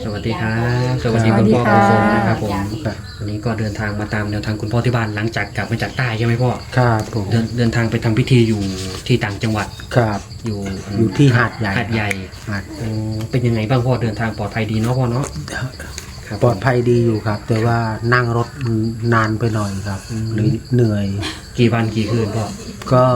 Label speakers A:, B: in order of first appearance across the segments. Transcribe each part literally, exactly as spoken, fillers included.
A: สวัสดีครับสวัสดีคุณพ่อคุณสมนะครับผมวันนี้ก็เดินทางมาตามแนวทางคุณพ่อที่บ้านหลังจากกลับมาจากใต้ใช่ไหมพ่อ
B: ครับผม
A: เดินเดินทางไปทำพิธีอยู่ที่ต่างจังหวัด
B: ครับ
A: อยู่
B: อยู่ที่หาดใหญ่
A: หาดใหญ่
B: หาด
A: เป็นยังไงบ้างพ่อเดินทางปลอดภัยดีเนาะพ่อเนาะ
B: ปลอดภัยดีอยู่ครับแต่ว่านั่งรถนานไปหน่อยครับหรือเหนื่อย
A: กี่วันกี่คืนพ่อ
B: ก็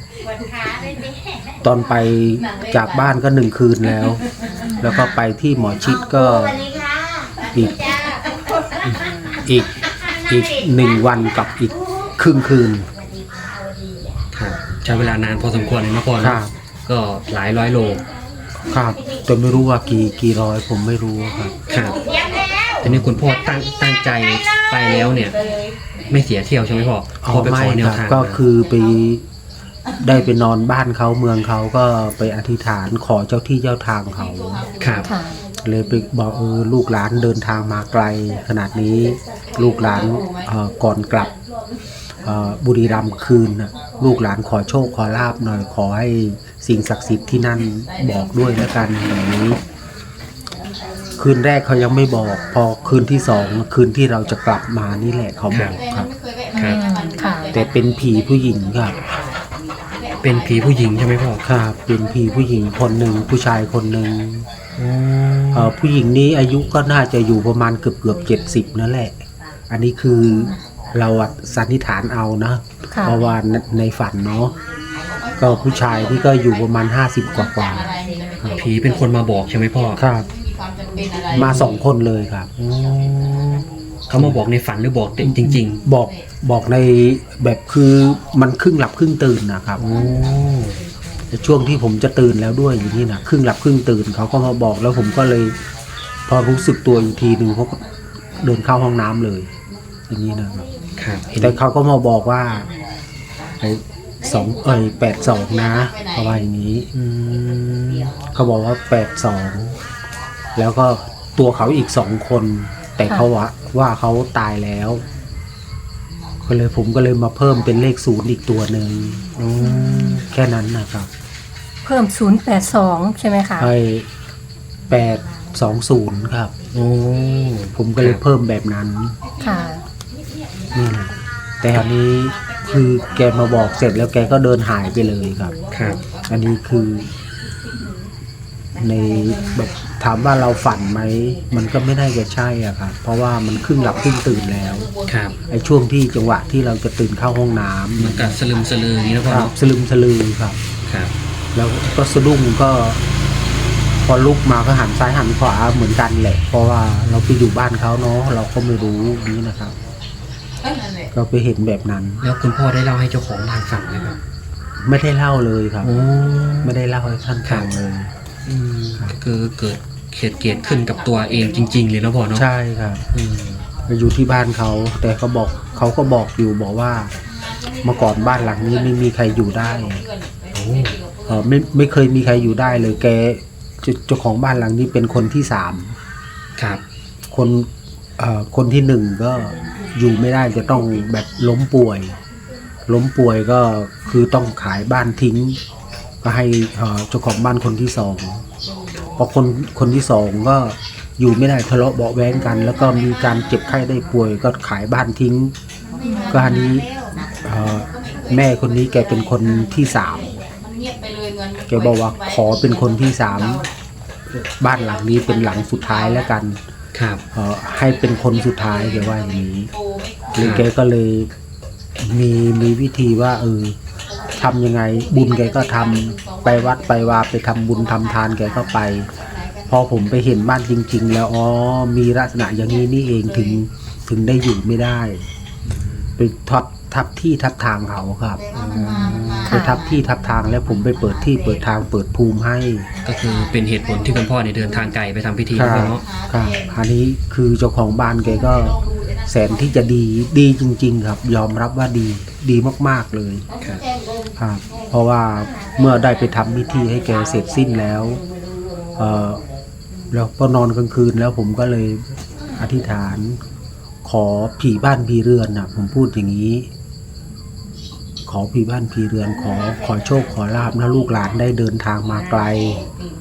B: ตอนไปจากบ้านก็หนึ่งคืนแล้วแล้วก็ไปที่หมอชิดก็อีกอีกอีกหนึ่งวันกับอีกครึ่งคืน
A: ครับใช้เวลานานพอสมควรเลยนะพ่อครับก็หลายร้อยโล
B: ครับแต่ไม่รู้ว่ากี่กี่ร้อยผมไม่รู้ครับ
A: ครับทีนี้คุณพ่อตั้งตั้งใจไปแล้วเนี่ยไม่เสียเที่ยวใช่ไหมพ่อพ่อไปขอแนวทาง
B: ก็คือไปได้ไปนอนบ้านเขาเมืองเขาก็ไปอธิษฐานขอเจ้าที่เจ้าทางเขา
A: ครับ
B: เลยไปบอกเออลูกหลานเดินทางมาไกลขนาดนี้ลูกหลานก่อนกลับบุรีรัมย์คืนลูกหลานขอโชคขอลาบหน่อยขอให้สิ่งศักดิ์สิทธิ์ที่นั่นบอกด้วยแล้วกันอย่างนี้คืนแรกเขายังไม่บอกพอคืนที่สองคืนที่เราจะกลับมานี่แหละเขาบอกครับแต่เป็นผีผู้หญิงครับ
A: เป็นผีผู้หญิงใช่ไหมพ่อ
B: ครับเป็นผีผู้หญิงคนหนึ่งผู้ชายคนหนึ่งผู้หญิงนี้อายุก็น่าจะอยู่ประมาณเกือบเกือบเจ็ดสิบนั่นแหละอันนี้คือเราสันนิษฐานเอานะเพราะว่าในฝันเนาะก็ผู้ชายที่ก็อยู่ประมาณห้าสิบกว่ากว่า
A: ผีเป็นคนมาบอกใช่ไหมพ่อ
B: ครับมาสองคนเลยครับ
A: เขามาบอกในฝันหรือบอกจริง
B: ๆบอกบอกในแบบคือมันครึ่งหลับครึ่งตื่นนะครับช่วงที่ผมจะตื่นแล้วด้วยอย่างนี้นะครึ่งหลับครึ่งตื่นเขาก็มาบอกแล้วผมก็เลยพอรู้สึกตัวอีกทีหนึ่งเขาก็เดินเข้าห้องน้ำเลยอย่างนี้นะครับแต่เขาก็มาบอกว่าไอ้สองเอ้ยแปดสองนะประมาณอย่างนี้เขาบอกว่าแปดสองแล้วก็ตัวเขาอีกสองคนแต่เขาว่าว่าเขาตายแล้วก็เลยผมก็เลยมาเพิ่มเป็นเลขศูนย์อีกตัวหนึ่งแค่นั้นนะครับ
C: เพิ่มศูนย์แปดสองใช่ไหมคะ
B: ใช่แปดสองศูนย์ครับโอ้ผมก็เลยเพิ่มแบบนั้น
C: ค่ะ
B: นี่แหละแต่อันนี้คือแกมาบอกเสร็จแล้วแกก็เดินหายไปเลยครับ
A: ครับ
B: อันนี้คือในแบบถามว่าเราฝันไหมมันก็ไม่ได้จะใช่อ่ะครับเพราะว่ามันครึ่งหลับครึ่งตื่นแล้ว
A: ครับ
B: ไอ้ช่วงที่จังหวะที่เราจะตื่นเข้าห้องน้ำ
A: มันก็สลึมสลืออย่างนี้
B: นะครับสลึมสลือครับ
A: ครับ
B: แล้วก็สะดุ้งก็พอลุกมาก็หันซ้ายหันขวาเหมือนกันแหละเพราะว่าเราไปอยู่บ้านเขาเนาะเราก็ไม่รู้นี้นะครับเราไปเห็นแบบนั้น
A: แล้วคุณพ่อได้เล่าให้เจ้าของบ้านฟังไหมครับ
B: ไม่ได้เล่าเลยครับไม่ได้เล่าให้ท่านฟังเลย
A: คือเกิดเหตุเกิดขึ้นกับตัวเองจริงๆเลยนะพ่อเนาะ
B: ใช่ครับอยู่ที่บ้านเขาแต่เขาบอกเขาก็บอกอยู่บอกว่าเมื่อก่อนบ้านหลังนี้ไม่มีใครอยู่ได้เออไม่ไม่เคยมีใครอยู่ได้เลยแกเจ้าของบ้านหลังนี้เป็นคนที่สาม
A: ครับ
B: คนเอ่อคนที่หนึ่งก็อยู่ไม่ได้จะต้องแบบล้มป่วยล้มป่วยก็คือต้องขายบ้านทิ้งก็ให้เจ้าของบ้านคนที่สองพอคนคนที่สองก็อยู่ไม่ได้ทะเลาะเบาะแว้งกันแล้วก็มีการเจ็บไข้ได้ป่วยก็ขายบ้านทิ้งก็อันนี้แม่คนนี้แกเป็นคนที่สามแกบอกว่าขอเป็นคนที่สามบ้านหลังนี้เป็นหลังสุดท้ายแล้วกัน
A: ครับ
B: ให้เป็นคนสุดท้ายแกว่าอย่างนี้เลยแกก็เลยมีมีวิธีว่าเออทำยังไงบุญแกก็ทำไปวัดไปวาไปทำบุญทำทานแกก็ไปพอผมไปเห็นบ้านจริงๆแล้วอ๋อมีลักษณะอย่างนี้นี่เองถึงถึงได้อยู่ไม่ได้ไปทับทับที่ทับทางเขาครับไปทับที่ทับทางแล้วผมไปเปิดที่เปิดทางเปิดภูมิให้
A: ก็คือเป็นเหตุผลที่คุณพ่อเนี่ยเดินทางไกลไปทำพิธีเนาะ
B: ครับอันนี้คือเจ้าของบ้านแกก็แสนที่จะดีดีจริงๆครับยอมรับว่าดีดีมากๆเลย
A: ครับ
B: ครับเพราะว่าเมื่อได้ไปทำพิธีให้แกเสร็จสิ้นแล้วเอ่อแล้วพอนอนกลางคืนแล้วผมก็เลยอธิษฐานขอผีบ้านผีเรือนนะผมพูดอย่างนี้ขอผีบ้านผีเรือนขอขอโชคขอลาภนะลูกหลานได้เดินทางมาไกล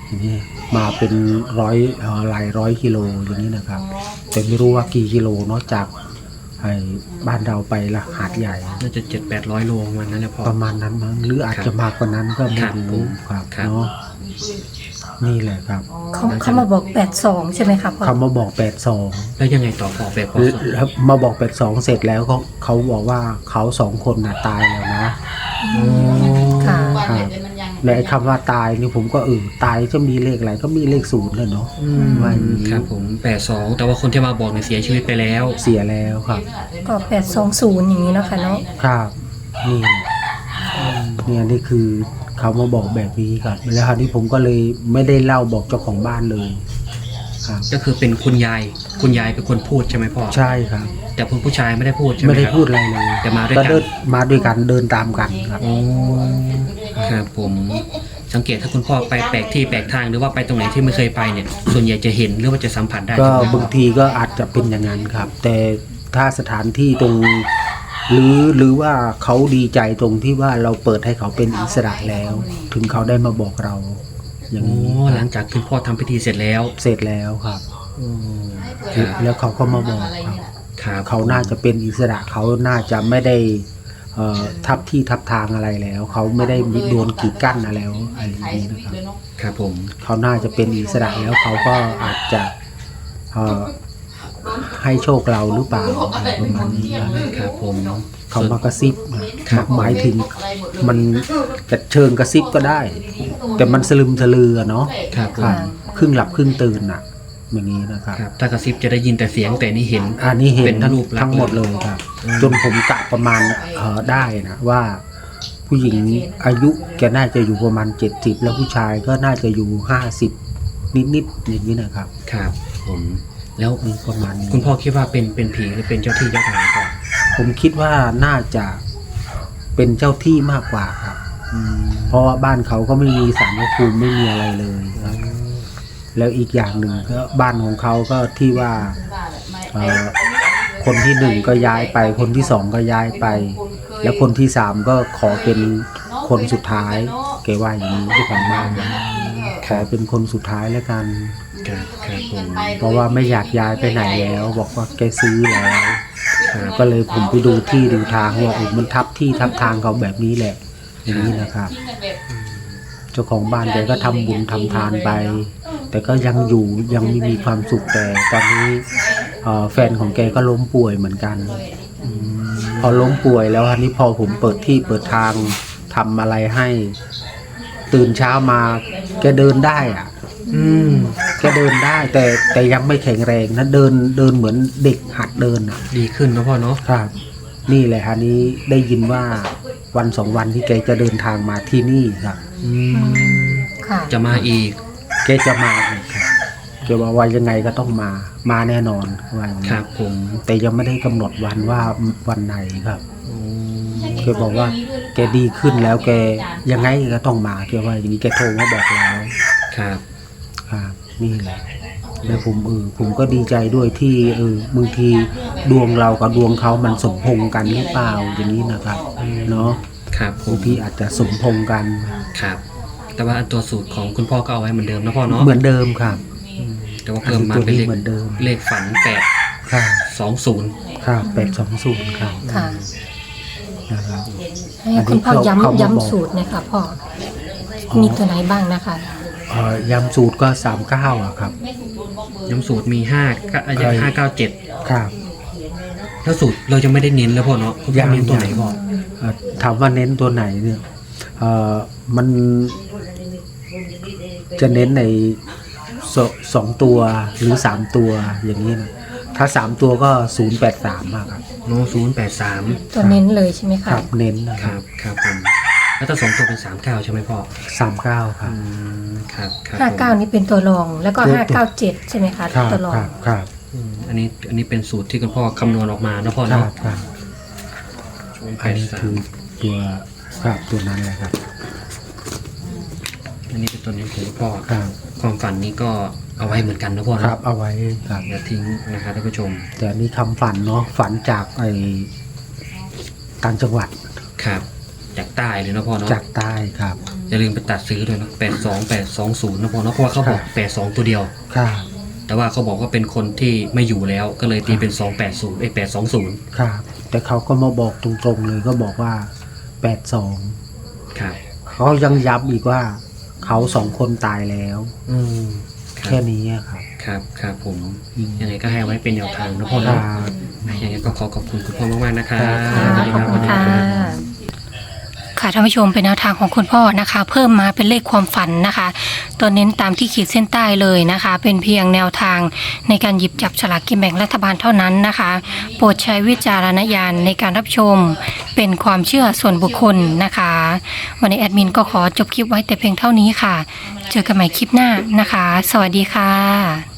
B: อย่างนี้มาเป็นร้อยเอ่อหลายร้อยกิโลอย่างนี้นะครับ แต่ไม่รู้ว่ากี่กิโลเนาะจากไอ้บ้านเราไปละหาดใหญ่
A: น่าจะเจ็ดแปดร้อยโลประมาณนั้นแหละพ่อ
B: ประมาณนั้นมั้งหรืออาจจะมากกว่านั้นก็ไม่
A: ครับ
B: รู้ครับ
A: ครับ
B: เนาะนี่แหละครับ
C: เขาเขามาบอกแปดสองใช่ไหมครับพ่อ
B: เขามาบอกแปดสอง
A: แล้วยังไงต่อพ่อแปดพอสอง
B: แล้วมาบอกแปดสองเสร็จแล้วเขาเขาบอกว่าเขาสองคนน่ะตายแล้วนะ
C: ค่ะ
B: ครับและไอ้คำว่าตายนี่ผมก็เออตายจะมีเลขอะไรก็มีเลขศูนย์เลยเนาะ
A: อืม
B: ว่าอย่างนี้
A: ครับผมแปดสองแต่ว่าคนที่มาบอกเนี่ยเสียชีวิตไปแล้ว
B: เสียแล้วครับ
C: ก็แปดสองศูนย์อย่างนี้เนาะค่ะเนาะ
B: ครับนี่เนี่ยนี่คือเขามาบอกแบบนี้ครับแล้วคราวนี้ผมก็เลยไม่ได้เล่าบอกเจ้าของบ้านเลยครับ
A: ก็คือเป็นคุณยายคุณยายเป็นคนพูดใช่ไหมพ่อ
B: ใช่ครับ
A: แต่คุณผู้ชายไม่ได้พูดใช่ไหม
B: ไม่ได้
A: ครับ
B: พูดอะไรเลย
A: แต่มาด้วย
B: ก็
A: กัน
B: เดินมาด้วยกันเดินตามกันครับ
A: โอ้ครับผมสังเกตถ้าคุณพ่อไปแปลกที่แปลกทางหรือว่าไปตรงไหนที่ไม่เคยไปเนี่ย ส่วนใหญ่จะเห็นหรือว่าจะสัมผัสได้
B: ก็
A: ใช่ไหม
B: บางทีก็อาจจะเป็นอย่างนั้นครับ แต่ถ้าสถานที่ตรง หรือหรือว่าเขาดีใจตรงที่ว่าเราเปิดให้เขาเป็นอิสระแล้ว ถึงเขาได้มาบอกเรา อย่าง
A: โอ้
B: นี้
A: หลังจากคุณพ่อทำพิธีเสร็จแล้ว
B: เสร็จแล้วครับ
A: อืมครับ
B: แล้วเขาก็มาบอกครับ
A: ครับ
B: เขาน่าจะเป็นอิสระเขาน่าจะไม่ได้เอ่อทับที่ทับทางอะไรแล้ว เขาไม่ได้มีโดนกีดกั้นอะไรแล้วอะไรอย่างนี้นะครับ
A: ครับผม
B: เขาน่าจะเป็นอิสระแล้วเขาก็อาจจะเอ่อให้โชคเราหรือเปล่าอะไรประมาณนี้นะครับ
A: ผม
B: เขามากระซิบนะหมายถึงมันจะเชิงกระซิบก็ได้ แต่มันสลึมสลือเนาะ
A: ครับผ
B: ครั
A: ม
B: บครึ่งหลับครึ่งตื่นน่ะ อย่างนี้นะครับ
A: ครับถ้ากระซิบจะได้ยินแต่เสียงแต่นี่เห็น
B: อันนี้เห็
A: เป็น น
B: ทั้ง
A: รูปลักษณ์
B: ทั้งหมดเลยครับ
A: อืม
B: จนผมกะประมาณเอ่อได้นะว่า ผู้หญิงอายุแกน่าจะอยู่ประมาณเจ็ดสิบแล้วผู้ชายก็น่าจะอยู่ห้าสิบนิดๆอย่างนี้นะครับ
A: ครับผมแล้ว
B: นี่ประมาณนี้
A: คุณพ่อคิดว่าเป็นเป็นผีหรือเป็นเจ้าที่เจ้าทางก่อน
B: ผมคิดว่าน่าจะเป็นเจ้าที่มากกว่าครับ
A: อืม
B: เพราะว่าบ้านเขาก็ไม่มีศาลพระภูมิไม่มีอะไรเลยครับ แล้วอีกอย่างหนึ่งก็บ้านของเขาก็ที่ว่าเอ่อคนที่หนึ่งก็ย้ายไป คนที่สองก็ย้ายไป แล้วคนที่สามก็ขอเป็นคนสุดท้ายแกว่าอย่างนี้ที่ของบ้านนะขอเป็นคนสุดท้ายแล้วกัน
A: ครับครับผม
B: เพราะว่าไม่อยากย้ายไปไหนแล้ว บอกว่าแกซื้อแล้ว
A: ครับ
B: ก็เลยผมไปดูที่ดูทางว่าเออมันทับที่ทับทางเขาแบบนี้แหละ อย่างนี้นะครับ เจ้าของบ้านแกก็ทำบุญทำทานไป แต่ก็ยังอยู่ยังไม่มีความสุขแต่ตอนนี้เอ่อแฟนของแกก็ล้มป่วยเหมือนกัน
A: อืม
B: พอล้มป่วยแล้วอันนี้พอผมเปิดที่เปิดทางทำอะไรให้ ตื่นเช้ามาแกเดินได้อะ
A: อืม
B: แกเดินได้ แต่แต่ยังไม่แข็งแรงนะเดินเดินเหมือนเด็กหัดเดินอ่ะ
A: ดีขึ้นนะพ่อเนาะ
B: ครับ นี่แหละอันนี้ได้ยินว่าวันสองวันที่แกจะเดินทางมาที่นี่ครับ
A: อืม
C: ค่ะ
A: จะมาอีก
B: แกจะมาอีกครับแกว่าว่ายังไงก็ต้องมามาแน่นอนว่าอย่าง
A: ค
B: นี้
A: รับผม
B: แต่ยังไม่ได้กำหนดวันว่าวันไหนครับ
A: อืม
B: แกบอกว่าแกดีขึ้นแล้วแกยังไงก็ต้องมาแกว่าอย่างนี้แกโทรมาบอกแล้ว
A: ครับ
B: ครับนี่แหละแล้วผมเออผมก็ดีใจด้วยที่เออบางทีดวงเรากับดวงเขามันสมพงษ์กันหรือเปล่าอย่างนี้นะครับเนาะ
A: ครับผ
B: บาม งทีอาจจะสมพงษ์กัน
A: ครับ แต่ว่าอันตัวสูตรของคุณพ่อก็เอาไว้เหมือนเดิมนะพ่อเนาะ
B: เหมือนเดิมครับ
A: อืมแต่ว่าเพิ่มมาเป็นเลข
B: เหมือนเดิม
A: เลขฝันแปด
B: ครับ
A: สองศูนย์
B: ครับแปดสองศูนย์ครับ
C: ค่ะ
B: นะครับ
C: ให้คุณพ่อ
B: อันนี้เขาเขา
C: ย้ำ
B: มาบอก
C: ย้ำสูตรหนะคะพ่อ มีตัวไหนบ้างนะคะ
B: เอ่อยำสูตรก็สามเก้าอะครับ
A: ย้ำสูตรมีห้าก็
B: ใช่
A: ห้าเก้าเจ็ด
B: ครับ
A: แล้วสูตรเราจะไม่ได้เน้นแล้วพ่อเนาะคุณพ่อเน้นตัวไหนพ่อ
B: เอ่อถามว่าเน้นตัวไหนเนี่ยเอ่อมันจะเน้นในสสองตัวหรือสามตัวอย่างนี้นะถ้าสามตัวก็ศูนย์แปดสามครับ
A: โน้ศูนย์แปดสาม
C: ตัวเน้นเลยใช่ไหม
B: ค
C: คะ
B: รับเน้นนะ
A: ค
B: ครั
A: รั
B: บบ
A: ครับผมแล้วถ้าสองตัวเป็นสามเก้าใช่ไหมพ่อ
B: สามเก้าครั
A: อื
B: บ
A: มครับครับ
C: ห้าเก้า
A: ผม
C: นี่เป็นตัวรอง แล้วก็
B: ตัว
C: ห้าเก้าเจ็ดใช่ไหมคะ
B: ครับ
C: ตัวรอ
B: ค
C: ง
B: รับครับ
A: อืมอันนี้อันนี้เป็นสูตรที่คุณพ่อคำนวณออกมานะพ่อ
B: ครั
A: เนาะ
B: บครับ
A: ศูนย์แป
B: อัน
A: ด
B: นี้
A: สา
B: คื
A: ม
B: อตัวครับตัวนั้นเลยครับ
A: อันนี้เป็นตัวนี้ของคุณพ่อ
B: ครับ
A: ความฝันนี้ก็เอาไว้เหมือนกันนะพ่อ
B: ค
A: เนาะ
B: รับเอาไว้ครับ
A: อย่าทิ้งนะครับท่านผู้ชม
B: แต่อันนี้คำฝันเนาะฝันจากไอ้ต่างจังหวัด
A: ครับจากใต้เลยนะพ่อเนาะ
B: จากใต้ครับ
A: ออย่าลืมไปตัดซื้อด้วยนะแปดสองแปดสองศูนย์นะพ่อเนาะเพราะว่าเขาบอกแปดสองตัวเดียว
B: ครับ
A: แต่ว่าเขาบอกว่าเป็นคนที่ไม่อยู่แล้วก็เลยตีเป็นสองแปดศูนย์ไอ้แปดสองศูนย์
B: ครับแต่เขาก็มาบอกตรงๆเลยก็บอกว่าแปดสอง
A: ครับ
B: เขายังย้ำอีกว่าเขาสองคนตายแล้ว
A: อืมค
B: แค่
A: รับ
B: นี้อะครับ
A: ครับครับผม
B: อืม
A: ยังไงก็ให้ไว้เป็นแนวทางนะพ่อ
B: ค
A: เนาะ
B: รับ
A: ยังไงก็ขอขอบคุณคุณพ่อมากๆนะครับ
C: ค่ะ
A: สวัสดี
C: ขอบคุณค่ะ
D: ค่ะท่านผู้ชมเป็นแนวทางของคุณพ่อนะคะ เพิ่มมาเป็นเลขความฝันนะคะ ตัวเน้นตามที่ขีดเส้นใต้เลยนะคะ เป็นเพียงแนวทางในการหยิบจับฉลากกินแบ่งรัฐบาลเท่านั้นนะคะ โปรดใช้วิจารณญาณในการรับชมเป็นความเชื่อส่วนบุคคลนะคะ วันนี้แอดมินก็ขอจบคลิปไว้แต่เพียงเท่านี้ค่ะ เจอกันใหม่คลิปหน้านะคะ สวัสดีค่ะ